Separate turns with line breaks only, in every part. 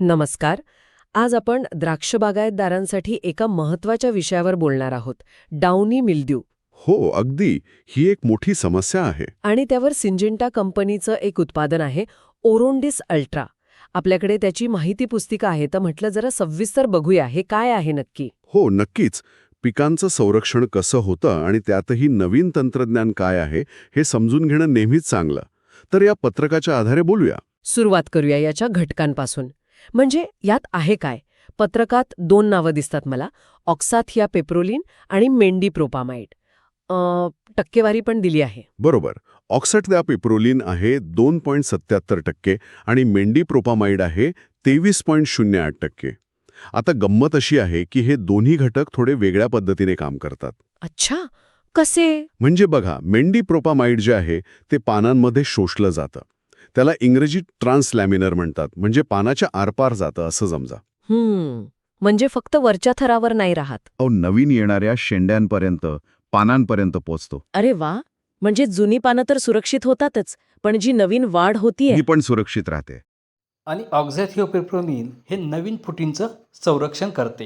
नमस्कार. आज आपण द्राक्ष बागायतदारांसाठी एका महत्त्वाच्या विषयावर बोलणार आहोत, डाउनी मिल्ड्यू.
हो, अगदी. ही एक मोठी समस्या आहे.
आणि त्यावर सिंजेंटा कंपनीचं एक उत्पादन आहे, ओरोंडिस अल्ट्रा. आपल्याकडे त्याची माहिती पुस्तिका आहे, तर म्हटलं जरा सविस्तर बघूया हे काय आहे नक्की.
हो, नक्कीच. पिकांचं संरक्षण कसं होतं आणि त्यातही नवीन तंत्रज्ञान काय आहे हे समजून घेणं नेहमीच चांगलं. तर या पत्रकाच्या आधारे बोलूया.
सुरुवात करूया याच्या घटकांपासून. म्हणजे यात आहे काय? पत्रकात 2 नावं दिसतात मला, ऑक्साथिया पेप्रोलिन आणि मेंडीप्रोपामाइड. टक्केवारी पण दिली आहे.
बरोबर. ऑक्साथियापिप्रोलिन आहे 2.77% आणि मेंडीप्रोपामाइड आहे 23.08%. आता गंमत अशी आहे की हे दोन्ही घटक थोडे वेगळ्या पद्धतीने काम करतात.
अच्छा, कसे?
म्हणजे बघा, मेंडीप्रोपामाइड जे आहे ते पानांमध्ये शोषलं जातं. त्याला इंग्रजीत ट्रान्सलॅमिनर म्हणतात, म्हणजे पानाच्या आरपार जातं असं समजा.
म्हणजे फक्त वरच्या थरावर नाही राहत.
नवीन येणाऱ्या शेंड्यांपर्यंत, पानांपर्यंत पोचतो.
अरे वा, म्हणजे जुनी पानं तर सुरक्षित होतातच, पण जी नवीन वाढ होतीये
ही पण सुरक्षित राहते.
आणि ऑक्झॅथिओपिप्रोलिन हे नवीन फुटींचं संरक्षण करते.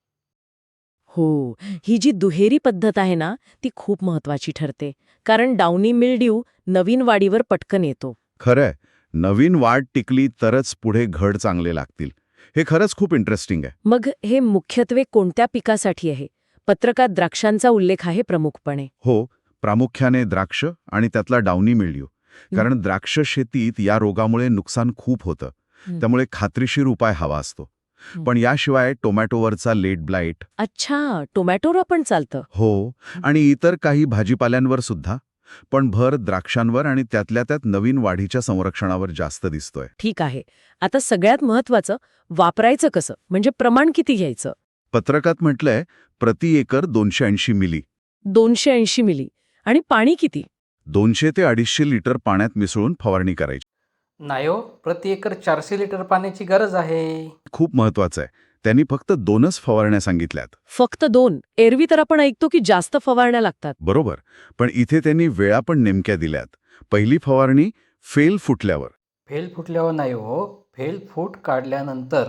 हो, ही जी दुहेरी पद्धत आहे ना, ती खूप महत्वाची ठरते. कारण डाउनी मिल्ड्यू नवीन वाढीवर पटकन येतो.
खरंय, नवीन वाढ टिकली तरच पुढे घड चांगले लागतील. हे खरंच खूप इंटरेस्टिंग आहे.
मग हे मुख्यत्वे कोणत्या पिकासाठी आहे? पत्रकात द्राक्षांचा उल्लेख आहे प्रमुखपणे.
हो, प्रामुख्याने द्राक्ष आणि त्यातला डाउनी मिल्ड्यू. कारण द्राक्ष शेतीत या रोगामुळे नुकसान खूप होतं. त्यामुळे खात्रीशीर उपाय हवा असतो. पण याशिवाय टोमॅटोवरचा लेट ब्लाइट.
अच्छा, टोमॅटोवर पण चालतं.
हो, आणि इतर काही भाजीपाल्यांवर सुद्धा. पण भर द्राक्षांवर आणि त्यातल्या त्यात नवीन वाढीच्या संरक्षणावर जास्त दिसतोय.
ठीक आहे. आता सगळ्यात महत्वाचं, वापरायचं कसं? म्हणजे प्रमाण किती घ्यायचं?
पत्रकात म्हटलंय प्रति एकर 280 मिली.
280 मिली. आणि पाणी किती?
200 ते 250 लिटर पाण्यात मिसळून फवारणी करायची.
नाही हो, प्रति एकर 400 लिटर पाण्याची गरज आहे.
खूप महत्वाचं आहे. त्यांनी फक्त 2च फवारण्या सांगितल्यात.
फक्त 2? एरवी तर आपण ऐकतो की जास्त फवारण्या लागतात.
बरोबर, पण इथे त्यांनी वेळा पण नेमक्या दिल्यात. पहिली फवारणी फेल फुटल्यावर.
फेल फुटल्यावर नाही हो, फेल फूट काढल्यानंतर.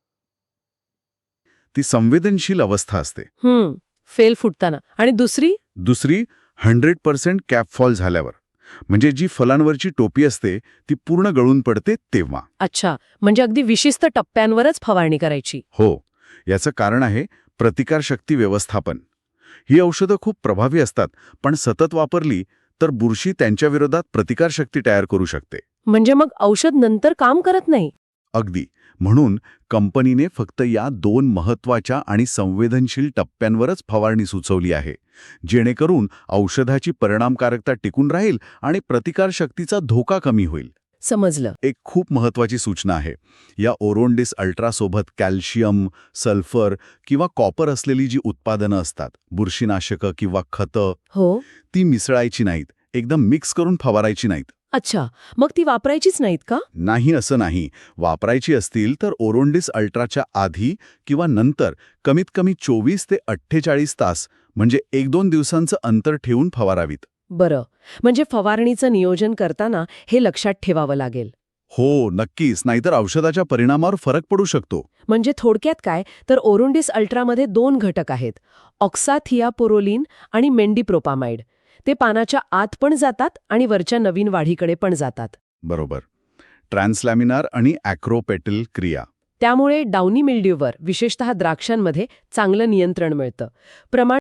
ती संवेदनशील अवस्था असते.
फेल फुटताना. आणि
दुसरी 100% कॅपफॉल झाल्यावर. म्हणजे जी फलांवरची टोपी असते ती पूर्ण गळून पडते तेव्हा.
अच्छा, म्हणजे अगदी विशिष्ट टप्प्यांवरच फवारणी करायची.
हो, याचं कारण आहे प्रतिकारशक्ती व्यवस्थापन. ही औषधं खूप प्रभावी असतात, पण सतत वापरली तर बुरशी त्यांच्या विरोधात प्रतिकारशक्ती तयार करू शकते.
म्हणजे मग औषध नंतर काम करत नाही.
अगदी. म्हणून कंपनीने फक्त या 2 महत्वाच्या आणि संवेदनशील टप्प्यांवरच फवारणी सुचवली आहे, जेणेकरून औषधाची परिणामकारकता टिकून राहील आणि प्रतिकारशक्तीचा धोका कमी होईल.
समजलं.
एक खूप महत्वाची सूचना आहे. या ओरोंडिस अल्ट्रासोबत कॅल्शियम, सल्फर किंवा कॉपर असलेली जी उत्पादनं असतात, बुरशीनाशकं किंवा खतं,
हो.
ती मिसळायची नाहीत, एकदम मिक्स करून फवारायची नाहीत.
अच्छा, मग ती वापरायचीच नाहीत का?
नाही, असं नाही. वापरायची असतील तर ओरोंडिस अल्ट्राच्या आधी किंवा नंतर कमीत कमी 24 ते 48 तास, म्हणजे 1-2 दिवसांचं अंतर ठेवून फवारावीत.
बरं, म्हणजे फवारणीचं नियोजन करताना हे लक्षात ठेवावं लागेल.
हो, नक्कीच. नाहीतर औषधाच्या परिणामावर फरक पडू शकतो.
म्हणजे थोडक्यात काय, तर ओरोंडिस अल्ट्रामध्ये 2 घटक आहेत, ऑक्साथियापिप्रोलिन आणि मेंडीप्रोपामाइड. ते पानाच्या आत पण जातात आणि वरच्या नवीन वाढीकडे पण जातात.
बरोबर. ट्रान्सलॅमिनार आणि ॲक्रोपेटल क्रिया.
त्यामुळे डाउनी मिल्ड्यूवर, विशेषतः द्राक्षांमध्ये, चांगलं नियंत्रण मिळतं. प्रमाण